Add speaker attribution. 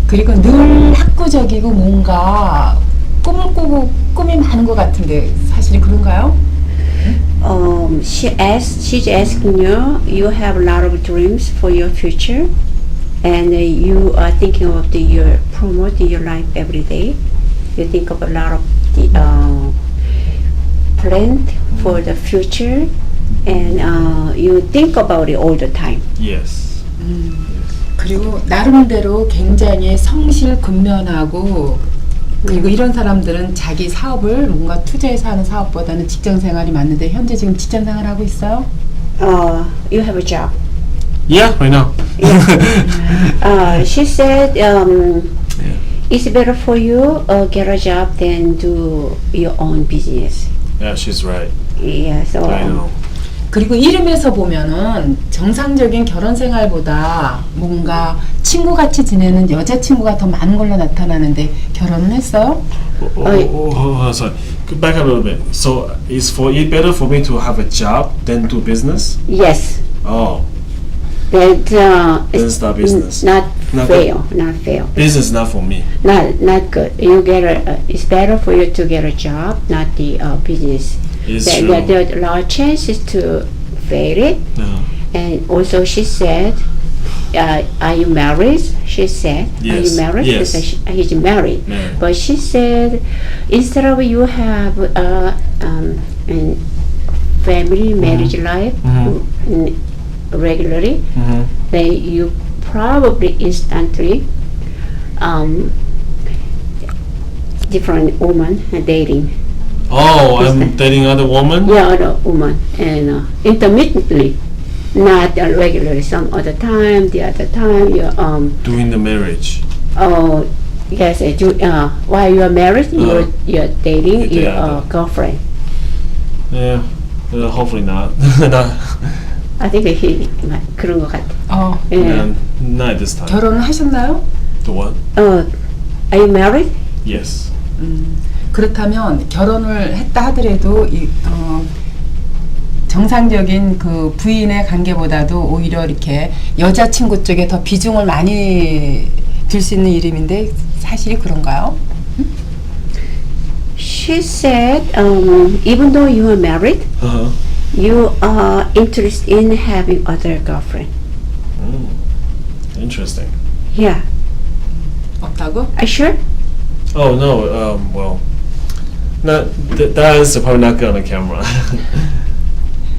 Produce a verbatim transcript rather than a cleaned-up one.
Speaker 1: 그리고 늘 학구적이고 뭔가 꿈을 꾸고 꿈이 많은 것 같은데 사실이 그런가요?
Speaker 2: Um, she asked, she's asking you, you have a lot of dreams for your future, and uh, you are thinking of the, your promoting your life every day. You think of a lot of the uh, plan for the future, and uh, you think about it all the time.
Speaker 3: Yes.
Speaker 1: 그리고 나름대로 굉장히 성실 근면하고 그리고 이런 사람들은 자기 사업을 뭔가 투자해서 하는 사업보다는 직장 생활이 맞는데 현재 지금 직장 생활하고 있어요?
Speaker 2: Uh, you have a job.
Speaker 3: Yeah, right now.
Speaker 2: Uh, she said um,
Speaker 3: Yeah.
Speaker 2: it's better for you uh, get a job than do your own business.
Speaker 3: Yeah, she's right.
Speaker 2: Yeah, so
Speaker 3: I
Speaker 2: um,
Speaker 3: know.
Speaker 1: 그리고 이름에서 보면은 정상적인 결혼 생활보다 뭔가 친구같이 지내는 여자친구가 더 많은 걸로 나타나는데 결혼은 했어요?
Speaker 3: Oh, oh, oh, oh, oh, sorry. Go back a little bit. So, is for it better for me to have a job than do business?
Speaker 2: yes,
Speaker 3: Oh,
Speaker 2: that uh,
Speaker 3: then
Speaker 2: it's
Speaker 3: start business.
Speaker 2: not
Speaker 3: Not
Speaker 2: fair, not fair,
Speaker 3: Business not for me.
Speaker 2: not not good. You get a. Uh, it's better for you to get a job, not the uh, business.
Speaker 3: It's
Speaker 2: There,
Speaker 3: true.
Speaker 2: there, there are large chances to fail it.
Speaker 3: No.
Speaker 2: And also, she said, uh, "Are you married?" She said, "Are
Speaker 3: Yes,
Speaker 2: you married?" She
Speaker 3: yes.
Speaker 2: said, she, he's married.
Speaker 3: Married.
Speaker 2: But she said, instead of you have uh, um, an family marriage life
Speaker 3: Mhm.
Speaker 2: mm, regularly,
Speaker 3: Mm-hmm.
Speaker 2: then you probably instantly um, different woman dating.
Speaker 3: Oh, I'm dating other woman?
Speaker 2: Yeah, other woman and uh, intermittently, not uh, regularly. Some other time, the other time you um
Speaker 3: Doing the marriage.
Speaker 2: oh yes, uh, you, uh, while you are married, you're
Speaker 3: Uh-huh.
Speaker 2: you're dating
Speaker 3: You date
Speaker 2: your uh,
Speaker 3: other.
Speaker 2: girlfriend.
Speaker 3: Yeah. Uh, hopefully not. not.
Speaker 2: I think he 그런 것 같아.
Speaker 1: 어,
Speaker 2: Yeah.
Speaker 3: Um, not at this time.
Speaker 1: 결혼을 하셨나요?
Speaker 3: The what?
Speaker 2: Uh, are you married?
Speaker 3: Yes.
Speaker 1: 그렇다면 결혼을 했다 하더라도 이, 어, 정상적인 그 부인의 관계보다도 오히려 이렇게 여자친구 쪽에 더 비중을 많이 둘 수 있는 이름인데 사실이 그런가요?
Speaker 2: She said, um, even though you are married,
Speaker 3: Uh-huh.
Speaker 2: you are interested in having other girlfriend.
Speaker 3: Mm. Interesting.
Speaker 2: Yeah.
Speaker 1: 없다고?
Speaker 2: Are you sure?
Speaker 3: Oh, no. Um, well, not th- that is probably not good on the camera.